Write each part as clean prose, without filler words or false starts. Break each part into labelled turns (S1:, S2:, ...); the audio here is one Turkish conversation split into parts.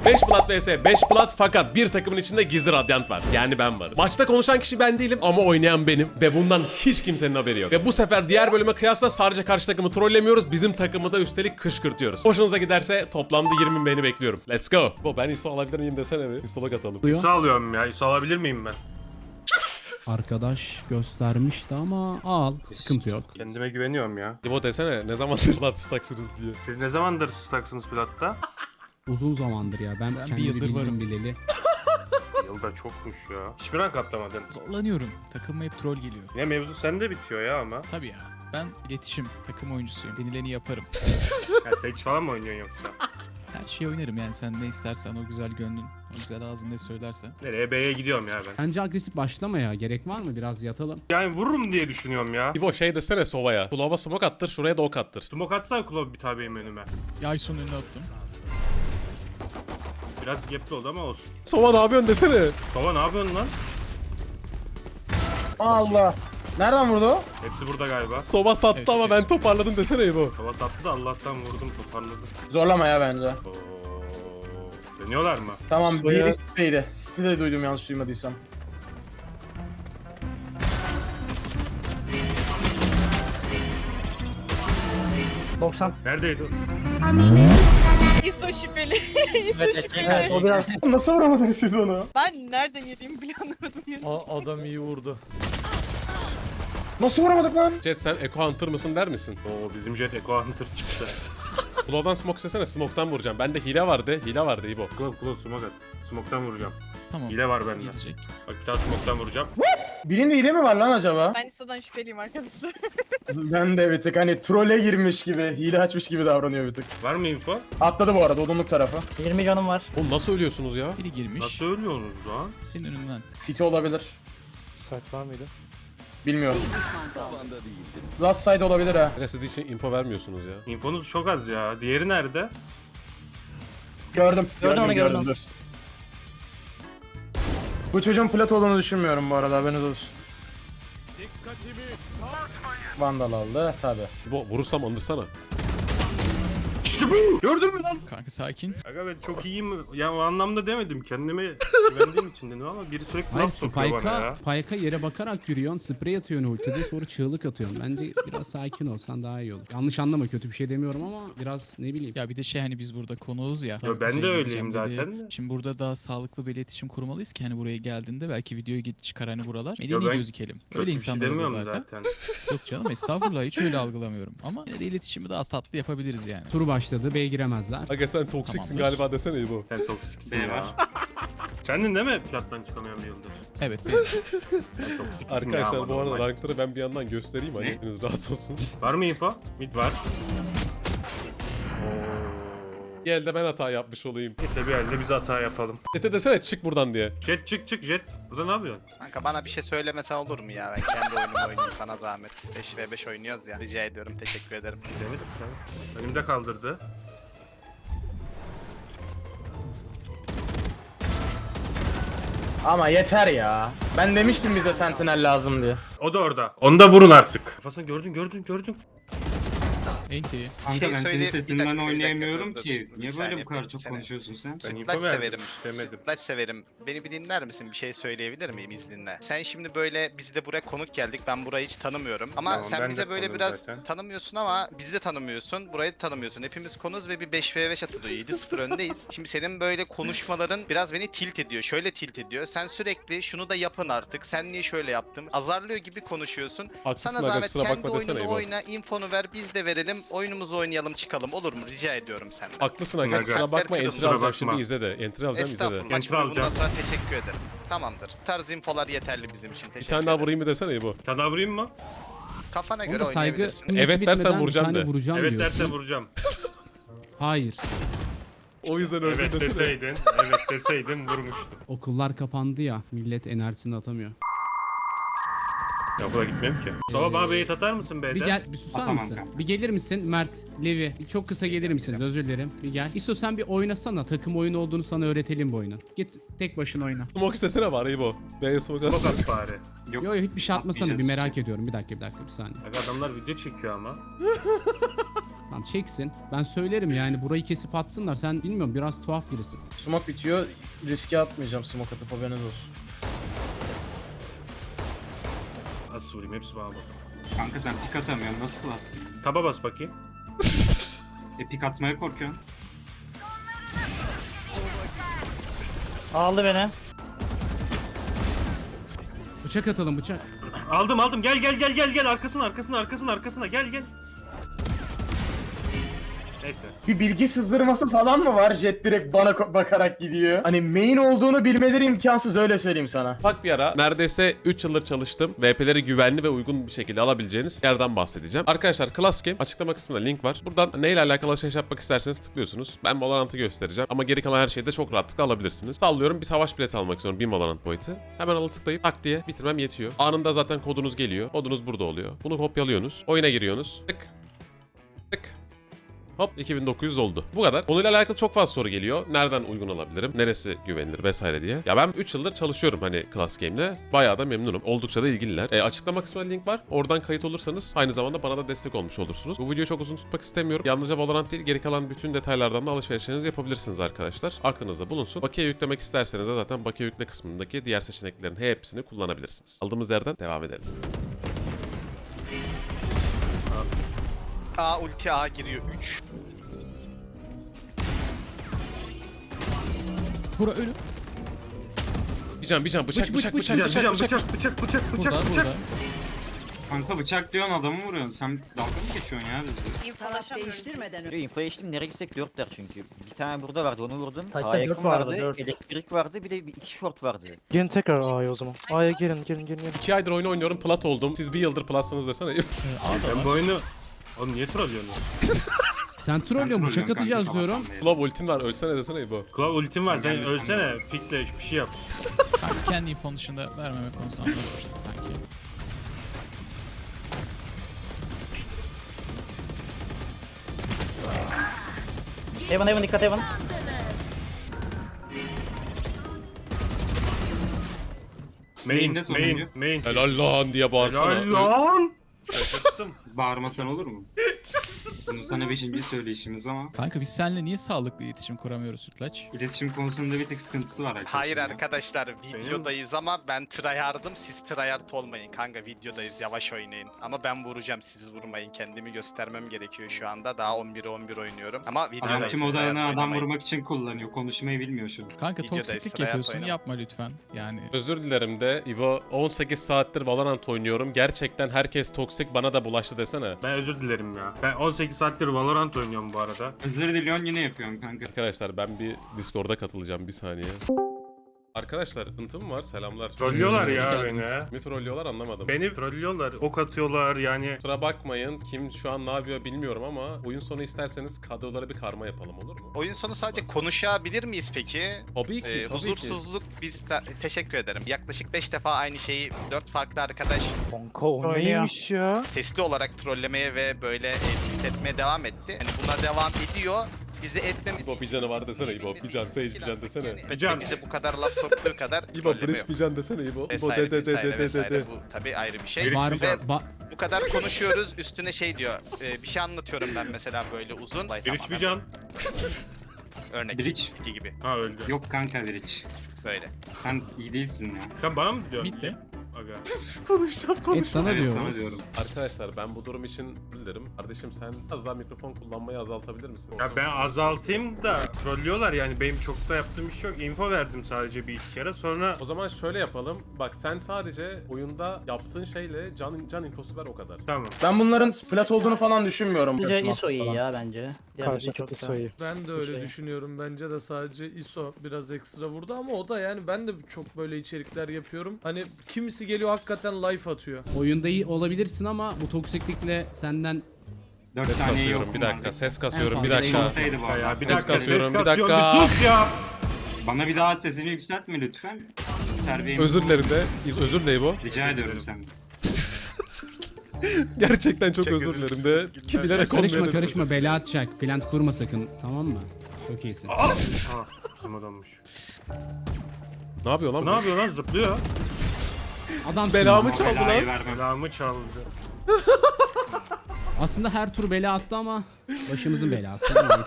S1: 5 plat vs 5 plat fakat bir takımın içinde gizli radyant var. Yani ben varım. Maçta konuşan kişi ben değilim ama oynayan benim ve bundan hiç kimsenin haberi yok. Ve bu sefer diğer bölüme kıyasla sadece karşı takımı trollemiyoruz. Bizim takımı da üstelik kışkırtıyoruz. Hoşunuza giderse toplamda 20 beğeni bekliyorum. Let's go. Bu ben ISO alabilir miyim desene bir. ISO'luk atalım.
S2: İso alıyorum ya. İso alabilir miyim ben?
S3: Arkadaş göstermişti ama al. Sıkıntı yok.
S2: Kendime güveniyorum ya.
S1: İbo desene ne zamandır plat staksınız diye.
S2: Siz ne zamandır staksınız platta?
S3: Uzun zamandır ya. Ben
S4: bir
S3: kendi
S4: yıldır
S3: bildiğim
S4: varım.
S3: bileli.
S2: Yılda çokmuş ya. Hiçbir rank atlamadın.
S4: Zorlanıyorum. Takıma hep troll geliyor.
S2: Yine mevzu sende bitiyor ya ama.
S4: Tabii ya. Ben iletişim, takım oyuncusuyum. Denileni yaparım.
S2: Ya Sage falan mı oynuyorsun yoksa?
S4: Her şeyi oynarım yani sen ne istersen o güzel gönlün, o güzel ağzın ne söylersen.
S2: Nereye? B'ye gidiyorum ya ben.
S3: Bence agresif başlama ya. Gerek var mı? Biraz yatalım.
S2: Yani vururum diye düşünüyorum ya.
S1: İbo şey desene Sova'ya. Kulağıma smoke attır şuraya da ok attır.
S2: Smoke atsana Klov bir tabi benim önüme.
S4: Yayson önüne attım.
S2: Biraz gapli oldu ama olsun.
S1: Sova ne yapıyorsun desene.
S2: Sova ne yapıyorsun lan?
S5: Allah. Nereden vurdu o?
S2: Hepsi burada galiba.
S1: Sova sattı
S4: Evet,
S1: ama
S4: evet.
S1: ben toparladım desene İbo.
S2: Sova sattı da Allah'tan vurdum toparladım.
S5: Zorlama ya bence.
S2: Oo. Dönüyorlar mı?
S5: Tamam biri siteydi. Sitede duydum yanlış duymadıysam.
S2: Neredeydi o?
S6: İso şüpheli. İso şüpheli.
S5: O biraz... Nasıl vuramadınız siz onu?
S6: Ben nereden yediğimi bile anlamadım.
S7: Adam iyi vurdu.
S5: Nasıl vuramadık lan?
S1: Jet sen Echo Hunter mısın der misin?
S2: Oo bizim Jet Echo Hunter çıktı.
S1: Kulağdan smoke sesene smoke'tan vuracağım. Bende hile vardı. Hile vardı İbo.
S2: Klov smoke at. Smoke'tan vuracağım.
S4: Tamam.
S2: Hile var bende.
S4: Gelecek.
S2: Bak bir tane smoke'tan vuracağım.
S5: Birinde hile mi var lan acaba?
S6: Ben İso'dan şüpheliyim arkadaşlar.
S5: Ben de bir tık hani trole girmiş gibi, hile açmış gibi davranıyor bir tık.
S2: Var mı info?
S5: Atladı bu arada odunluk tarafı.
S8: 20 canım var.
S1: Oğlum nasıl ölüyorsunuz ya?
S4: Biri girmiş.
S2: Nasıl ölüyorsunuz lan?
S4: Senin önünden.
S5: City olabilir.
S7: Saat var mıydı?
S5: Bilmiyorum. Last side olabilir ha.
S1: Aga siz için info vermiyorsunuz ya.
S2: İnfonuz çok az ya. Diğeri nerede?
S5: Gördüm.
S8: Gördüm, gördüm.
S5: Dur. Bu çocuğun plat olduğunu düşünmüyorum bu arada haberiniz olsun. Vandal aldı tabi.
S1: İbo vurursam andırsana.
S2: Gördün mü lan?
S4: Kanka sakin.
S2: Aga ben çok iyiyim. Ya o anlamda demedim. Kendime güvendiğim için dedim ama biri sürekli
S3: Hayır
S2: laf sokuyor bana ya.
S3: Spike'a yere bakarak yürüyorsun. Sprey atıyorsun ultide sonra çığlık atıyorsun. Bence biraz sakin olsan daha iyi olur. Yanlış anlama kötü bir şey demiyorum ama biraz ne bileyim.
S4: Ya bir de şey hani biz burada konuğuz ya.
S2: Ya ben de
S4: Buraya
S2: öyleyim
S4: geleceğim
S2: zaten de.
S4: Şimdi burada daha sağlıklı bir iletişim kurmalıyız ki hani buraya geldiğinde belki videoyu çıkar hani buralar.
S2: Ya
S4: Medeni
S2: ben
S4: gözükelim.
S2: Kötü
S4: Öyle
S2: bir şey
S4: insanlarız da
S2: demiyorum
S4: zaten.
S2: zaten.
S4: Yok canım estağfurullah hiç öyle algılamıyorum. Ama yine de iletişimi daha tatlı yapabiliriz yani.
S3: Tur başladı. B'ye giremezler.
S1: Aga sen toksiksin
S4: Tamamdır.
S1: galiba desene İbo.
S2: Sen toksiksin ya. Sendin değil mi plattan çıkamayan bir yıldır?
S4: Evet benim.
S2: Sen toksiksin ya
S1: Arkadaşlar
S2: ama
S1: bu arada
S2: normal.
S1: rankları ben bir yandan göstereyim hani hepiniz rahat olsun.
S2: Var mı info? Mid var.
S1: Bir elde ben hata yapmış olayım.
S2: Neyse bir elde biz hata yapalım.
S1: Jet'e desene çık buradan diye.
S2: Jet çık Jet. Burada ne yapıyorsun?
S9: Kanka bana bir şey söylemesen olur mu ya? Ben kendi oyunumu oynayayım sana zahmet. 5v5 oynuyoruz ya. Rica ediyorum. Teşekkür ederim.
S2: Demedim tabii. Önümde kaldırdı.
S5: Ama yeter ya. Ben demiştim bize sentinel lazım diye.
S2: O da orada. Onu da vurun artık. Kafasını gördün.
S4: Enti.
S8: Kanka ben senin
S9: Bir
S8: sesinden
S9: dakika,
S8: oynayamıyorum
S9: dur,
S8: ki.
S9: dur.
S8: Niye
S9: Bir
S8: böyle
S9: saniye,
S8: bu kadar
S9: bir
S8: çok
S9: saniye.
S8: konuşuyorsun sen?
S2: Ben info
S9: Sütlaç
S2: verdim.
S9: severim.
S2: Demedim.
S9: Sütlaç severim. Beni bir dinler misin? Bir şey söyleyebilir miyim izninle? Sen şimdi böyle biz de buraya konuk geldik. Ben burayı hiç tanımıyorum. Ama
S2: Tamam, ben
S9: sen
S2: de
S9: bize böyle
S2: konuğum
S9: biraz
S2: zaten.
S9: tanımıyorsun ama bizi de tanımıyorsun. Burayı da tanımıyorsun. Hepimiz konuz ve bir 5v5 atılıyor. 7-0 öndeyiz. Şimdi senin böyle konuşmaların biraz beni tilt ediyor. Şöyle tilt ediyor. Sen sürekli şunu da yapın artık. Sen niye şöyle yaptın? Azarlıyor gibi konuşuyorsun.
S1: Haklısın
S9: Sana
S1: aga,
S9: zahmet
S1: kusura
S9: kendi
S1: bakma desene
S9: oyununu
S1: İbo.
S9: oyna, infonu ver, biz de verelim, oyunumuzu oynayalım çıkalım. Olur mu? Rica ediyorum senden.
S1: Haklısın aga
S2: Aga.
S1: kusura bakma entry
S9: Kusura
S1: alacağım
S2: bakma.
S1: şimdi izle de. Entry alacağım izle de.
S9: Estağfurullah.
S2: Enter
S9: Şimdi bundan
S2: alacağım.
S9: sonra teşekkür ederim. Tamamdır. Bu tarz infolar yeterli bizim için.
S1: Bir
S9: Teşekkür
S1: tane daha
S9: ederim.
S1: vurayım mı desene İbo.
S2: Bir tane daha vurayım mı?
S9: Kafana
S3: Onda
S9: göre
S3: saygı
S9: oynayabilirsin.
S3: cümlesi
S1: Evet dersen
S3: bitmeden
S1: vuracağım
S3: bir tane
S1: de.
S3: vuracağım
S2: Evet
S3: diyorsun.
S2: derse vuracağım.
S3: Hayır.
S1: O yüzden öldüm
S2: Evet
S1: desene.
S2: deseydin vurmuştum.
S3: Okullar kapandı ya. Millet enerjisini atamıyor.
S2: Ya okula gitmem ki. Sonra bana beyit atar mısın B'den?
S3: Bir gel, bir susar
S8: Atamam
S3: mısın?
S8: kanka.
S3: Bir gelir misin Mert, Levi? Çok kısa gelir misiniz? Özür dilerim. Bir gel. İso sen bir oynasana. Takım oyunu olduğunu sana öğretelim bu oyunun. Git tek başına oyna.
S1: Smoke istesene bari İbo. B'ye smoke
S2: Bak
S1: at.
S2: at bari.
S8: Yok.
S3: Yo hiçbir şey atmasana. Bir
S8: atmayacağız.
S3: merak ediyorum. Bir dakika bir saniye.
S2: Aga adamlar video çekiyor ama.
S3: Tamam çeksin. Ben söylerim yani burayı kesip atsınlar. Sen bilmiyorum biraz tuhaf birisin.
S5: Smoke bitiyor. Riske atmayacağım smoke atıp haberiniz olsun.
S2: Nasıl vurayım hepsi bağlı.
S8: Kanka sen pik atamıyorsun. Nasıl platsın?
S2: Taba bas bakayım.
S8: Pik atmaya korkuyorsun.
S7: Aldı beni.
S3: Bıçak atalım bıçak.
S2: Aldım gel arkasına gel. Neyse.
S5: Bir bilgi sızdırması falan mı var? Jet direkt bana bakarak gidiyor. Hani main olduğunu bilmeleri imkansız, öyle söyleyeyim sana.
S1: Bak bir ara neredeyse 3 yıldır çalıştım. VP'leri güvenli ve uygun bir şekilde alabileceğiniz yerden bahsedeceğim. Arkadaşlar Class Game açıklama kısmında link var. Buradan neyle alakalı alışveriş yapmak isterseniz tıklıyorsunuz. Ben Valorant'ı göstereceğim ama geri kalan her şeyi de çok rahatlıkla alabilirsiniz. Sallıyorum, bir savaş bileti almak istiyorum, bir Valorant boyutu. Hemen alı tıklayıp tak diye bitirmem yetiyor. Anında zaten kodunuz geliyor. Kodunuz burada oluyor. Bunu kopyalıyorsunuz. Oyuna giriyorsunuz. Tık. Tık. Hop 2900 oldu. Bu kadar. Konuyla alakalı çok fazla soru geliyor. Nereden uygun alabilirim? Neresi güvenilir vesaire diye. Ya ben 3 yıldır çalışıyorum hani Class Game'le. Bayağı da memnunum. Oldukça da ilgililer. Açıklama kısmında link var. Oradan kayıt olursanız aynı zamanda bana da destek olmuş olursunuz. Bu videoyu çok uzun tutmak istemiyorum. Yalnızca Valorant değil, geri kalan bütün detaylardan da alışverişlerinizi yapabilirsiniz arkadaşlar. Aklınızda bulunsun. Bakiye yüklemek isterseniz de zaten bakiye yükle kısmındaki diğer seçeneklerin hepsini kullanabilirsiniz. Aldığımız yerden devam edelim.
S9: A ulti A giriyor 3.
S4: Bura ölü.
S1: Bir can bıçak.
S4: Burada burada.
S8: Kanka bıçak diyorsun adamı vuruyorsun. Sen dalga mı geçiyorsun ya bizi?
S6: İnfolaşamıyoruz biz.
S10: Info geçtim, nereye gitsek 4'ler çünkü. Bir tane burada vardı, onu vurdum.
S7: Taşta
S10: Sağa
S7: dört
S10: yakın
S7: vardı,
S10: vardı,
S7: dört.
S10: elektrik vardı, bir de 2 short vardı.
S7: Gelin tekrar A'ya o zaman. A'ya gelin.
S1: 2 aydır oyun oynuyorum, plat oldum. Siz bir yıldır platsınız desene.
S4: A'da
S2: Ben
S4: var.
S2: bu oyunu... Oğlum niye trollüyorsun?
S3: Sen trollüyorsun, bıçak
S8: trollüyorsun
S3: atacağız
S8: kanka
S3: diyorum.
S8: sabahtan beri.
S1: Klov ultin var, ölsene desene bu.
S2: Klav ultim var,
S8: Sen
S2: sen
S8: gelmesen
S2: ölsene.
S8: de.
S2: Pikle bir şey yap.
S4: Kanka kendi infonun dışında vermeme konusunda anlaşmıştık sanki.
S7: Heaven dikkat Heaven.
S2: Main.
S1: Helal lan diye bağırsana.
S2: Helal lan. Şaşırttım.
S8: Bağırmasan olur mu? Bunu sana 5. söyleyişimiz ama
S4: Kanka biz seninle niye sağlıklı iletişim kuramıyoruz Sütlaç?
S8: iletişim konusunda bir tek sıkıntısı var arkadaşlar.
S9: Hayır arkadaşlar, videodayız ama ben tryhard'ım, siz tryhard olmayın kanka, videodayız, yavaş oynayın. Ama ben vuracağım, siz vurmayın, kendimi göstermem gerekiyor şu anda, daha 11'e 11 oynuyorum ama
S8: Adam
S9: videodayız.
S8: tüm
S9: tryhard
S8: odanı adam
S9: oynamayın.
S8: vurmak için kullanıyor. Konuşmayı bilmiyor şu an.
S4: Kanka
S9: Videodayız,
S4: toksiklik
S9: sıraya
S4: yapıyorsun,
S9: koyalım.
S4: yapma lütfen. Yani
S1: Özür dilerim de İbo, 18 saattir Valorant oynuyorum. Gerçekten herkes toksik, bana da bulaştı desene.
S2: Ben özür dilerim ya. Ben 18 saattir Valorant oynuyorum bu arada.
S8: Özür diliyorsun yine yapıyorsun kanka.
S1: Arkadaşlar ben bir Discord'a katılacağım, bir saniye. Arkadaşlar ıntım var, selamlar.
S2: Trollüyorlar
S4: Hoş
S2: ya
S4: geldiniz.
S2: beni.
S1: Mi trollüyorlar anlamadım.
S2: Beni trollüyorlar, ok atıyorlar yani.
S1: Kusura bakmayın, kim şu an ne yapıyor bilmiyorum ama oyun sonu isterseniz kadrolara bir karma yapalım, olur mu?
S9: Oyun sonu sadece konuşabilir miyiz peki?
S1: Tabii ki, tabii ki.
S9: Huzursuzluk teşekkür ederim. Yaklaşık 5 defa aynı şeyi 4 farklı arkadaş
S7: Kanka o neymiş ya?
S9: sesli olarak trollemeye ve böyle etmeye devam etti. Yani buna devam ediyor. Bizi etmemiz
S1: İbo bir canı var desene İbo, bir can, Sage bir can desene.
S2: Can.
S9: Bize bu kadar laf soktuğu kadar
S1: İbo
S9: trolleme
S1: Breach
S9: yok.
S1: bir can desene İbo. İbo
S9: Vesaire,
S1: de
S9: vesaire, vesaire.
S1: de.
S9: Bu tabii ayrı bir şey.
S2: Biriş
S3: Var
S2: bir can.
S9: Bu kadar konuşuyoruz, üstüne şey diyor. Bir şey anlatıyorum ben mesela böyle uzun.
S2: Biriş bir can.
S9: Örnek.
S8: Bridge.
S9: iki gibi.
S2: Ha öldü.
S8: Yok kanka Bridge.
S9: Böyle.
S8: Sen iyi değilsin ya.
S2: Sen bana mı diyorsun?
S4: bitti.
S2: Aga.
S3: Et sana
S8: Evet
S3: diyoruz.
S8: sana diyorum.
S1: Arkadaşlar ben bu durum için bilirim. Kardeşim sen az daha mikrofon kullanmayı azaltabilir misin?
S2: Ya ben azaltayım da trollüyorlar yani, benim çok da yaptığım iş yok. Info verdim sadece bir iki kere, sonra
S1: O zaman şöyle yapalım. Bak sen sadece oyunda yaptığın şeyle can infosu ver, o kadar.
S2: tamam.
S5: Ben bunların plat olduğunu falan düşünmüyorum.
S7: Bence
S5: Kaçma
S7: ISO iyi
S5: falan.
S7: ya bence.
S11: Karşı çok ISO'yu.
S7: Ben de öyle
S11: düşünüyorum. Bence de sadece ISO biraz ekstra vurdu ama o da yani ben de çok böyle içerikler yapıyorum. Hani kimisi geliyor hakikaten life atıyor.
S3: Oyunda iyi olabilirsin ama bu toksiklikle senden
S8: 4
S1: Ses
S8: saniye
S1: kasıyorum
S8: yok
S1: bir dakika, ses kasıyorum bir
S3: fazla
S1: dakika.
S8: Olsaydı bu arada.
S2: Ya bir
S1: Ses
S2: dakika,
S1: kasıyorum,
S2: ses
S1: bir
S2: kasıyorum,
S1: dakika.
S2: bir sus ya.
S8: Bana bir daha sesini yükseltme lütfen. Terbiyemi
S1: Özür dilerim de. Özür dilerim İbo.
S8: Rica ediyorum senden.
S1: Gerçekten çok
S9: Çok
S1: özür
S9: özür
S1: dilerim de. Ki bilerek
S3: karışma
S1: olmayan-
S3: karışma bela atacak. Plant kurma sakın, tamam mı? Çok iyisin.
S2: Ah, bizim adammış.
S1: Ne yapıyor lan
S2: Ne
S1: bu?
S2: yapıyor lan, zıplıyor.
S3: Adamsın.
S1: Belamı
S3: ya.
S1: çaldı
S8: Belayı
S1: lan.
S8: vermem.
S2: Belamı çaldı.
S3: Aslında her tur bela attı ama başımızın belası. Neyse.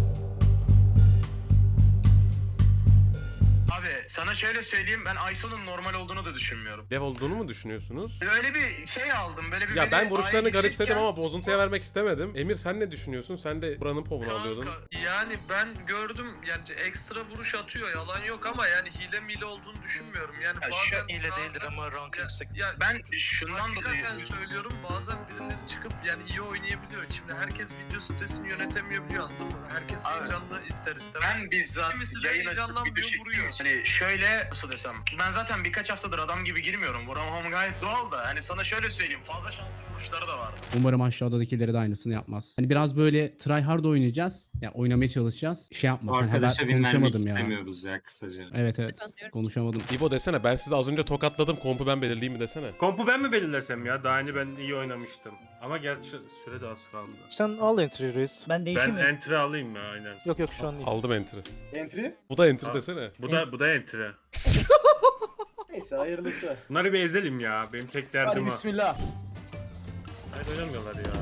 S5: Abi sana şöyle söyleyeyim, ben ISO'nun normal olduğunu da düşünmüyorum.
S1: Dev olduğunu mu düşünüyorsunuz?
S5: Öyle bir şey aldım, böyle bir...
S1: Ya
S5: beni
S1: ben vuruşlarını
S5: A'ya
S1: garipsedim
S5: gidecekken-
S1: ama bozuntuya vermek istemedim. Emir sen ne düşünüyorsun? Sen de buranın povunu alıyordun.
S5: Yani ben gördüm, yani ekstra vuruş atıyor, yalan yok ama yani hile olduğunu düşünmüyorum. Yani bazen hile değildir ama rank yüksek. Ya ben şundan dolayı söylüyorum, bazen birileri çıkıp yani iyi oynayabiliyor. Şimdi herkes video stresini yönetemeyebiliyor, anladın mı? Herkes heyecanlı ister istemez. Ben bizzat yayın açıp video vuruyor. Hani şöyle nasıl desem, ben zaten birkaç haftadır adam gibi girmiyorum. Vuramam gayet doğal da. Hani sana şöyle söyleyeyim, fazla şanslı vuruşları da var.
S3: Umarım aşağıdakileri de aynısını yapmaz. Hani biraz böyle try hard oynayacağız. Ya yani oynamaya çalışacağız. Şey yapma. Hani
S8: Arkadaşa
S3: ben
S8: bin vermek
S3: konuşamadım ya.
S8: istemiyoruz ya kısaca.
S3: Evet konuşamadım.
S1: İbo desene ben sizi az önce tokatladım. Kompu ben belirleyeyim mi desene.
S2: Kompu ben mi belirlesem ya? Daha hani ben iyi oynamıştım. Ama gerçi süre de az kaldı.
S7: Sen al entry reis.
S6: Ben
S2: Ben
S6: değişim mi?
S2: entry alayım ya aynen.
S7: Yok yok şu an değil.
S1: Aldım entry.
S5: Entry?
S1: Bu da entry
S2: Al.
S1: desene.
S2: Bu da entry.
S5: Neyse hayırlısı.
S2: Bunları bir ezelim ya. Benim tek derdim
S5: Hadi
S2: o.
S5: bismillah.
S2: Hayır oynamıyorlar ya.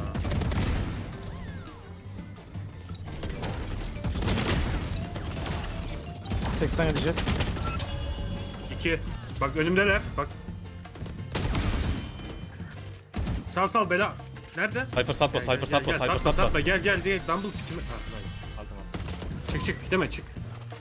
S7: Hı. 80 gelecek.
S2: 2. Bak önümdeler. Bak. Sal bela. Nerede?
S1: Cypher satma, Cypher satma, Cypher satma.
S2: Satma gel diye Dumble kime... Ha, nice. Aldım. Çık deme çık.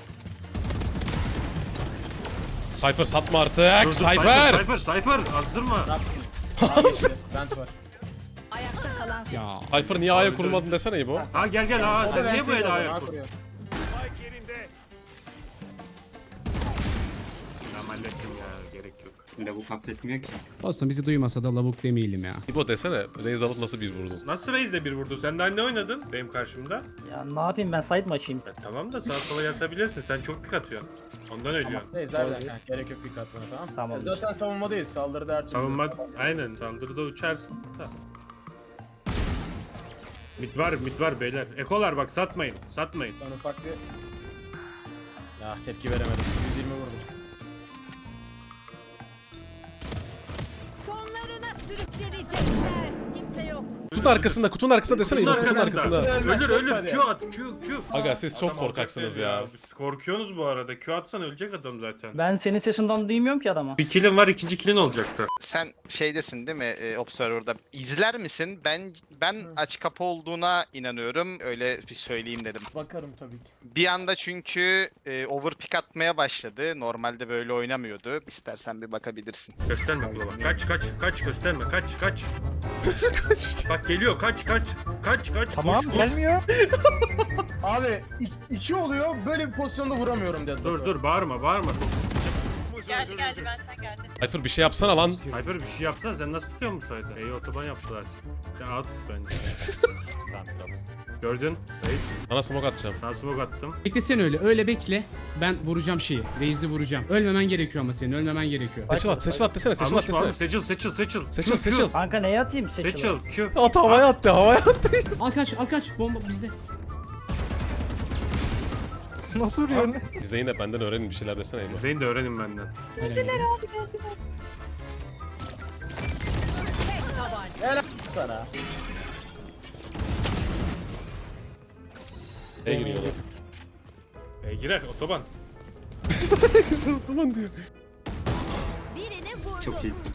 S1: Cypher satma artık.
S2: Dur,
S1: Cypher!
S2: Cypher azdırma.
S5: Bent var.
S6: Ayakta kalan
S3: Ya
S1: Cypher niye A'ya kurulmadın desene İbo.
S2: Ha gel ha sen niye bu el ayak kur? Tamam hallettim ya gerek yok.
S8: Şimdi bu affetmiyor ki.
S3: olsun bizi duymasa da lavuk demeyelim ya.
S1: İbo desene Raze alıp nasıl bir vurdun?
S2: Nasıl Reis'le bir vurdu? Sen daha ne oynadın benim karşımda?
S7: Ya ne yapayım ben side mi açayım?
S2: Tamam da sağa sola yatabilirsin. Sen çok pik atıyorsun. Ondan ölüyorsun.
S5: Neyse zaten gerek yok bir katmana tamam.
S7: Tamam.
S5: Zaten savunmadayız, saldırıda her türlü.
S2: Savunma aynen saldırıda uçarsın. Da. Mid var beyler. Ekolar bak satmayın.
S5: Ben ufak bir... Ya tepki veremedim. 120 vurdum.
S6: sonlarına sürüklenecekler. Kimse yok.
S1: Kutunun arkasında desene İbo, kutunun arkasında.
S2: Ölür. Q at. Q.
S1: Aga siz çok
S2: Adam
S1: korkaksınız
S2: alacak
S1: ya.
S2: Siz korkuyorsunuz bu arada. Q atsan ölecek adam zaten.
S7: Ben senin sesinden duymuyorum ki adama.
S2: Bir kill'in var, ikinci kill'in olacaktı.
S9: Sen şeydesin değil mi Observer'da? İzler misin? Ben aç kapı olduğuna inanıyorum. Öyle bir söyleyeyim dedim.
S5: Bakarım tabii ki.
S9: Bir anda çünkü overpick atmaya başladı. Normalde böyle oynamıyordu. İstersen bir bakabilirsin.
S2: Gösterme kulağına. Kaç gösterme. Kaç. Bak geliyor. Kaç.
S7: Tamam
S2: Koş.
S7: gelmiyor.
S5: Abi 2 oluyor, böyle bir pozisyonda vuramıyorum dedi.
S2: Dur bağırma.
S6: Geldi benden geldi.
S1: Cypher bir şey yapsana lan.
S2: Cypher bir şey yapsana sen nasıl tutuyor musun sayda? İyi otoban yaptılar. Sen out tut bence. Gördün? Reis.
S1: Sana smoke atacağım.
S2: Ben smoke attım.
S3: Beklesene öyle bekle. Ben vuracağım şeyi. Reis'i vuracağım. Ölmemen gerekiyor ama senin ölmemen gerekiyor.
S1: Seçil at desene, seçil at desene.
S2: Seçil.
S7: Kanka neye atayım?
S2: Seçil. Q.
S1: At havaya attı.
S3: Al kaç bomba bizde.
S7: Nasıl vuruyor?
S1: İzleyin de benden öğrenin bir şeyler desene İbo.
S2: İzleyin de öğrenin benden.
S5: Sana.
S1: Neye giriyorlar?
S2: Girer otoban.
S1: Tamam diyor.
S6: Birini vurdum.
S8: Çok iyisin.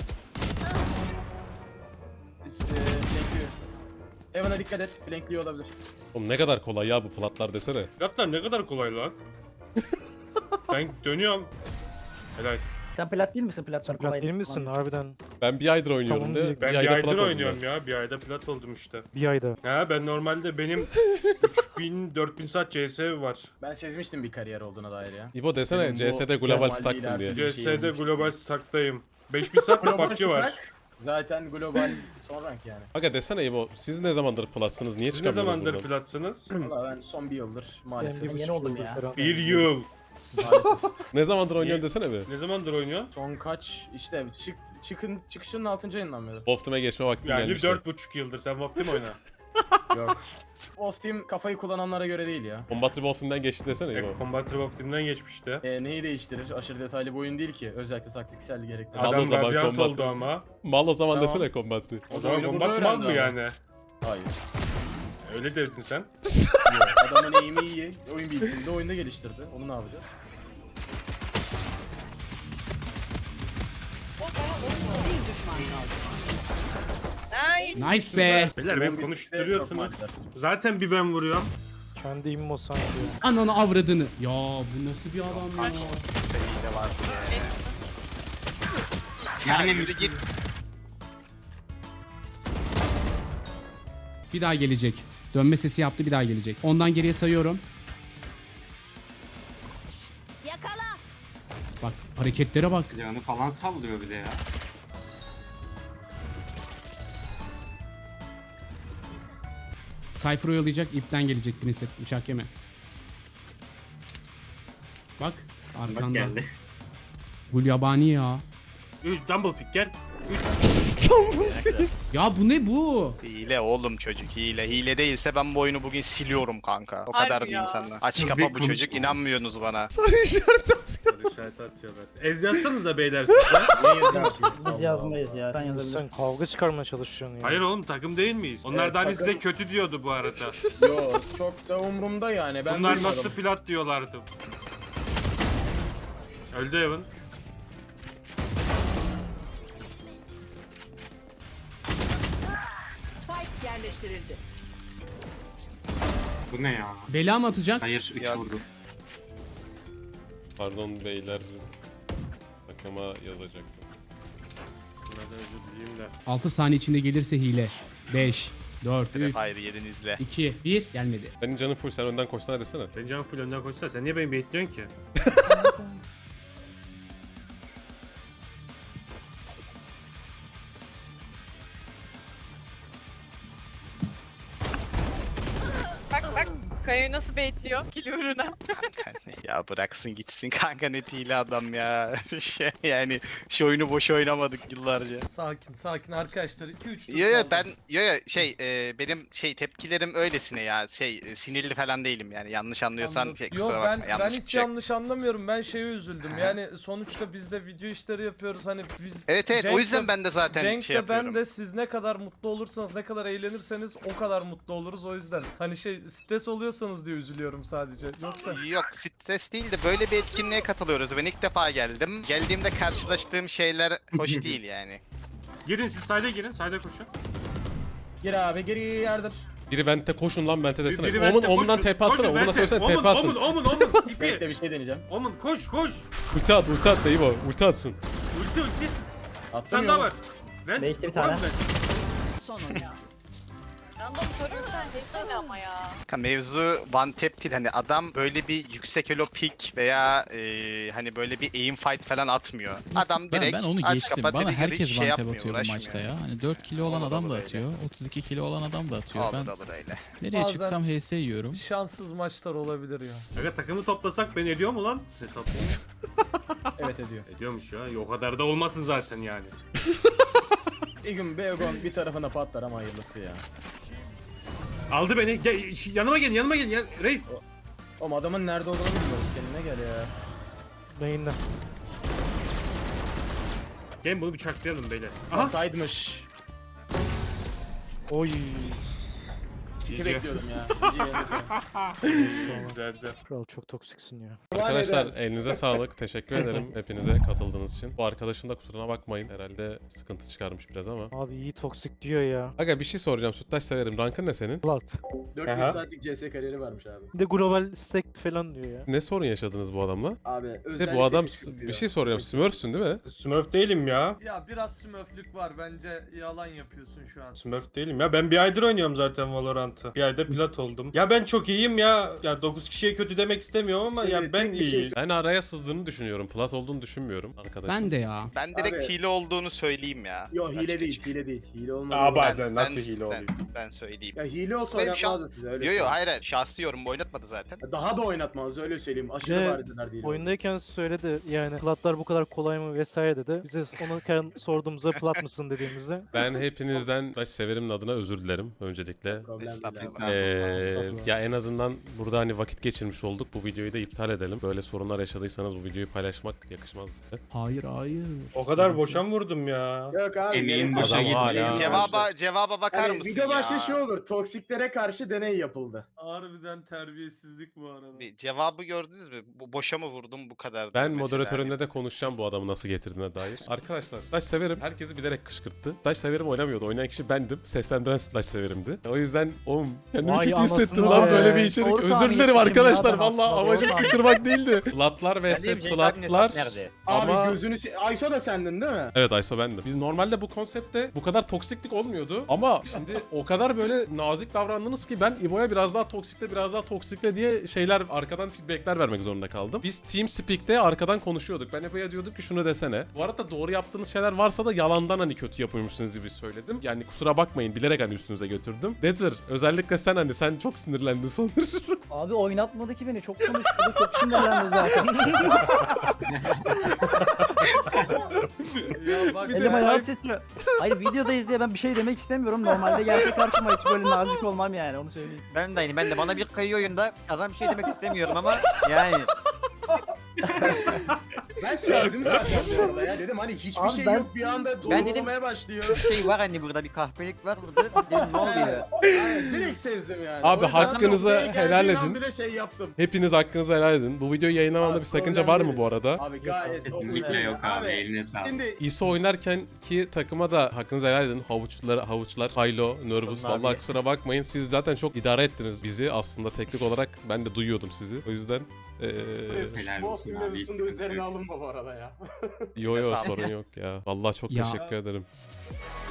S5: Flankliyor. Evan'a dikkat et, flankliyor olabilir.
S1: Oğlum ne kadar kolay ya bu platlar desene.
S2: Gatlar ne kadar kolay lan. Ben dönüyorum. Helal.
S7: Sen plat değil misin? Platlar kolay.
S12: Değil misin harbiden?
S1: Ben bir aydır oynuyorum
S12: Tamam
S1: de.
S12: diyecek.
S2: Ben bir
S1: ayda
S2: aydır
S1: plat oldum
S2: oynuyorum
S1: ben.
S2: ya. Bir ayda plat oldum işte.
S12: Bir ayda.
S2: Ha ben normalde benim 3000-4000 saat CS var.
S5: Ben sezmiştim bir kariyer olduğuna dair ya.
S1: İbo desene
S5: Benim bu
S1: CS'de global
S5: normal
S1: stack'tım
S5: değil
S1: diye.
S5: artık. Bir şey
S2: CS'de
S5: olmuş.
S2: global stack'tayım. 5000 saat
S5: Global
S2: PUBG var.
S5: stack, zaten global son rank yani.
S1: Aga desene İbo siz ne zamandır platsınız? Niye
S2: Siz ne
S1: çıkamıyorsunuz
S2: zamandır
S1: buradan?
S2: platsınız?
S5: Valla ben son bir yıldır maalesef.
S7: Ben yeni oldum ya.
S2: Bir yıl.
S5: Maalesef.
S1: Ne zamandır oynuyorsun desene bir.
S2: Ne zamandır oynuyorsun?
S5: Son kaç işte çıkışının 6. ayından beri.
S1: Wolfteam'e geçme vakti
S2: Yani
S1: gelmişti.
S2: 4,5 yıldır sen Wolf'ta mı oyna?
S5: Yok. Off team kafayı kullananlara göre değil ya.
S1: Combatri Wolfteam'den geçti desene İbo.
S2: Combat Wolf'timden geçmişti.
S5: Neyi değiştirir? Aşırı detaylı bir oyun değil ki. Özellikle taktiksel gerektirir.
S1: Mal o
S2: Adam
S1: zaman
S2: Radiant
S1: Combat.
S2: oldu ama.
S1: Mal o zaman
S5: Tamam.
S1: desene Combatri.
S2: O zaman
S5: oyunu
S2: Combat
S5: burada
S2: mal mı
S5: öğrendi
S2: yani?
S12: Hayır.
S2: Öyle dedin sen.
S12: Adamın eğimi iyi. Oyun bilgisini de oyunda geliştirdi. Onu ne yapacağız?
S3: Nice be.
S2: Beyler beni konuşturuyorsunuz. Zaten bir ben vuruyorum.
S7: Kendi immo sanki.
S3: Ananı avradını. Ya bu nasıl bir adam ya?
S9: Hile var. Ya yürü git.
S3: Bir daha gelecek. Dönme sesi yaptı, bir daha gelecek. Ondan geriye sayıyorum.
S6: Yakala.
S3: Bak hareketlere bak.
S8: Silahını falan sallıyor bir de ya.
S3: Cypher oyalayacak, ipten gelecek Princess. Uçak yeme. Bak arkanda.
S2: Bak geldi.
S3: Gul yabani ya.
S2: 3 double pick gel.
S3: Ya bu ne bu?
S9: Hile oğlum çocuk hile. Hile değilse ben bu oyunu bugün siliyorum kanka. O kadar diyeyim sana. Aç kapa bu çocuk inanmıyorsunuz bana.
S2: Soru işareti atıyorlar. Ez yazsanıza beyler siz de. Niye yazayım ki?
S7: Biz yazmayız ya. Sen yazabilirsin. Sen kavga çıkarmaya çalışıyorsun ya.
S2: Hayır oğlum takım değil miyiz? Onlar da hani size kötü diyordu bu arada.
S12: Yo çok da umurumda yani. Ben
S2: Bunlar
S12: duymadım.
S2: nasıl plat diyorlardı. Öldü Evan.
S6: Spike yerleştirildi.
S8: Bu ne ya?
S3: Bela mı atacak?
S8: Hayır 3
S9: Yok.
S8: vurdu.
S1: Pardon beyler. Takıma yazacaktım.
S2: Buna da özür dileyim de.
S3: 6 saniye içinde gelirse hile. 5, 4, 3,
S9: Hayır yedin izle.
S3: 2, 1 gelmedi.
S1: Senin canın full, sen önden koşsana desene.
S2: Ben can full önden koşsana. Sen niye beni bekliyorsun ki?
S6: Bak Kaya'yı nasıl baitliyor kill uğruna.
S9: Ya bıraksın gitsin kanka net hile adam ya. Yani şu oyunu boş oynamadık yıllarca.
S11: Sakin arkadaşlar. 2-3 tur
S9: Yo yo
S11: kaldı.
S9: ben benim tepkilerim öylesine ya sinirli falan değilim yani yanlış anlıyorsan
S11: Anladım.
S9: kusura
S11: Yok,
S9: bakma
S11: ben
S9: yanlış bir
S11: hiç
S9: şey.
S11: yanlış anlamıyorum. Ben şeye üzüldüm. Yani sonuçta biz de video işleri yapıyoruz. Hani biz
S9: Evet o
S11: Cenk'le-
S9: yüzden ben de zaten
S11: Cenk
S9: şey
S11: de ben
S9: yapıyorum.
S11: de siz ne kadar mutlu olursanız, ne kadar eğlenirseniz o kadar mutlu oluruz o yüzden. Hani stres oluyorsanız diye üzülüyorum sadece. Yoksa
S9: Yok stres değil de böyle bir etkinliğe katılıyoruz. Ben ilk defa geldim. Geldiğimde karşılaştığım şeyler hoş değil yani.
S2: Girin siz side'e girin. Side'e koşun.
S12: Gir abi gir yardır.
S1: Biri vente koşun lan vente desene.
S2: Biri
S1: Omun
S2: vente,
S1: omundan
S2: koşun,
S1: TP atsana.
S2: koşun,
S1: Omuna
S2: vente.
S1: söylesene
S2: Omun,
S1: TP atsın.
S2: Omun
S12: Bekle
S2: tipi.
S12: bir şey deneyeceğim.
S2: Omun koş.
S1: Ulti at da iyi bu. Ulti atsın.
S2: Ulti. Bir
S12: Attım
S2: tane daha var.
S12: yolu.
S7: Bekle bir tane.
S6: Son oyun. Random soruyorsan desene ama ya.
S9: Kanka mevzu one tap değil hani adam böyle bir yüksek elo pick veya hani böyle bir aim fight falan atmıyor. Adam direkt
S4: Ben onu
S9: aç
S4: geçtim.
S9: kapa
S4: Bana
S9: dedi
S4: herkes
S9: hiç
S4: one tap
S9: yapmıyor,
S4: atıyor bu
S9: uğraşmıyor.
S4: maçta ya. Hani 4 kilo olan
S9: Olur,
S4: adam da
S9: olur
S4: atıyor. 32 kilo olan adam da atıyor.
S9: Olur
S4: Ben
S9: olur öyle.
S4: nereye
S11: Bazen-
S4: çıksam HS yiyorum.
S11: şanssız maçlar olabilir ya.
S2: Aga takımı toplasak beni ediyor mu lan? Hesap.
S12: Evet ediyor.
S2: Ediyormuş ya. O kadar da olmasın zaten yani.
S12: Bir gün Beogon bir tarafına patlar ama hayırlısı ya.
S2: Aldı beni. Gel, yanıma gelin. Ya, reis.
S12: Oğlum adamın nerede olduğunu bilmiyoruz. Kendine gel ya.
S7: Beyinde.
S2: Gelin bunu bıçaklayalım beyler.
S12: Aha.
S2: Aha.
S12: Saydımış.
S7: Oy.
S12: Siki
S2: GG.
S12: bekliyordum ya. GG yerine
S2: Güzeldi.
S7: Kral çok toksiksin ya.
S1: Arkadaşlar elinize sağlık. Teşekkür ederim hepinize katıldığınız için. Bu arkadaşın da kusuruna bakmayın. Herhalde sıkıntı çıkarmış biraz ama.
S7: Abi iyi toksik diyor ya.
S1: Aga bir şey soracağım. Süttaş severim. Rankın ne senin?
S7: Plat.
S12: 400
S2: Aha.
S12: saatlik CS kariyeri varmış abi.
S7: Bir de global sect falan diyor ya.
S1: Ne sorun yaşadınız bu adamla?
S12: Abi
S1: Bir
S12: özellikle
S1: de bu adam
S12: küçültüyor.
S1: bir şey soracağım. Smurfsün değil mi?
S2: Smurf değilim ya.
S11: Ya biraz smurflük var bence yalan yapıyorsun şu an.
S2: Smurf değilim ya. Ben bir aydır oynuyorum zaten Valorant'ı. Bir ayda plat oldum. Ya ben çok iyiyim ya. Ya 9 kişiye kötü demek istemiyorum ama ya ben iyiyim.
S1: Ben araya sızdığını düşünüyorum. Plat olduğunu düşünmüyorum arkadaşım.
S3: Ben de ya.
S9: Ben direkt
S12: Abi-
S9: hile olduğunu söyleyeyim ya.
S12: Yo hile
S9: Açık
S12: değil,
S9: açık.
S12: hile değil. Hile olmadı.
S2: Aa bazen nasıl
S9: Ben-
S2: hile oluyor?
S9: Ben söyleyeyim.
S12: Ya hile olsa
S9: Benim şu an-
S12: oynatmazdı size öyle
S9: Yo yo
S12: söyleyeyim.
S9: hayır şahsi yorum oynatmadı zaten.
S12: Daha da oynatmazdı öyle söyleyeyim. Aşırı
S7: Ne?
S12: bariz eder değil.
S7: Oyundayken söyledi yani platlar bu kadar kolay mı vesaire dedi. Bize onu sorduğumuzda plat mısın dediğimizde
S1: Ben hepinizden Süttaş severim'in adına özür dilerim öncelikle.
S12: Problem değil.
S9: Estağfurullah.
S1: Ya en azından burada hani vakit geçirmiş olduk. Bu videoyu da iptal edelim. Böyle sorunlar yaşadıysanız bu videoyu paylaşmak yakışmaz bize.
S3: Hayır.
S2: O kadar boşan vurdum ya.
S12: Yok abi.
S8: Emeğin
S12: gerek yok.
S8: boşa
S1: Adam
S8: gitmesin.
S1: hala-
S9: Cevaba bakar
S12: Hani
S9: mısın
S12: video
S9: ya?
S12: başta şey olur. Toksiklere karşı deney yapıldı.
S11: Harbiden terbiyesizlik bu arada.
S9: Bir cevabı gördünüz mü? Boşa mı vurdum bu kadar?
S1: Ben moderatörünle de konuşacağım bu adamı nasıl getirdiğine dair. Arkadaşlar Slash severim. Herkesi bilerek kışkırttı. Slash severim oynamıyordu. Oynayan kişi bendim. Seslendiren Slash severimdi. O yüzden kendimi
S7: Vay
S1: kötü
S7: anasını
S1: hissettim lan
S7: be.
S1: böyle bir içerik.
S7: Doğru
S1: Özür
S7: tahmin
S1: dilerim
S7: etmişim
S1: arkadaşlar.
S7: ya ben
S1: Vallahi
S7: aslında,
S1: amacım
S7: doğru
S1: sıkırmak değildi. Flatlar vs
S10: Cenk abinin hesap
S1: flatlar.
S10: nerede?
S12: Abi
S1: Ama-
S12: gözünü... Ayso da sendin değil mi?
S1: Evet Ayso bendim. Biz normalde bu konsepte bu kadar toksiklik olmuyordu. Ama şimdi o kadar böyle nazik davrandınız ki ben İbo'ya biraz daha toksikle diye şeyler arkadan feedbackler vermek zorunda kaldım. Biz TeamSpeak'te arkadan konuşuyorduk. Ben İbo'ya diyordum ki şunu desene. Bu arada doğru yaptığınız şeyler varsa da yalandan hani kötü yapıyormuşsunuz gibi söyledim. Yani kusura bakmayın bilerek hani üstünüze götürdüm. Desir özellikle sen çok sinirlendin sanırım.
S7: Abi oynatmadı ki beni. Çok konuştu. Çok sinirlendi zaten.
S11: Ya bak
S7: Elim ayağım titriyor. Hayır videodayız diye ben bir şey demek istemiyorum. Normalde gelse karşıma hiç böyle nazik olmam yani onu söyleyeyim.
S10: Ben de bana bir kayıyor oyunda. Adam bir şey demek istemiyorum ama yani.
S12: Ben sevdim zaten bu arada ya. Dedim hani hiçbir
S7: Abi
S12: şey
S7: ben-
S12: yok bir anda
S10: Ben
S12: doğrulmaya başlıyor.
S10: Bir şey var hani burada bir kahpelik var burada. Dedim ne oluyor?
S12: Aynen, direkt sezdim yani.
S1: Abi
S12: O yüzden
S1: hakkınızı
S12: noktaya
S1: helal
S12: geldiğim an
S1: edin.
S12: Bir de şey yaptım.
S1: Hepiniz hakkınızı helal edin. Bu videoyu yayınlamamda
S12: Abi,
S1: bir sakınca
S12: problem
S1: var mı
S12: değil.
S1: bu arada?
S12: Abi gayet.
S8: Kesinlikle yok abi. Eline sağlık.
S12: Şimdi
S1: ISO oynarken ki takıma da hakkınızı helal edin. Havuçlar, Haylo, Nervous.
S10: Vallahi
S1: Vallahi
S10: abi.
S1: kusura bakmayın. Siz zaten çok idare ettiniz bizi. Aslında teknik olarak ben de duyuyordum sizi. O yüzden
S8: Helal
S12: bu
S8: olsun
S12: film
S8: abi. hiç
S12: mevzusunda
S8: sıkıntı
S12: üzerine
S8: yok.
S12: alınma bu arada ya.
S1: yo
S9: Sağ ol.
S1: sorun yok ya. Vallahi çok
S3: Ya-
S1: teşekkür ederim.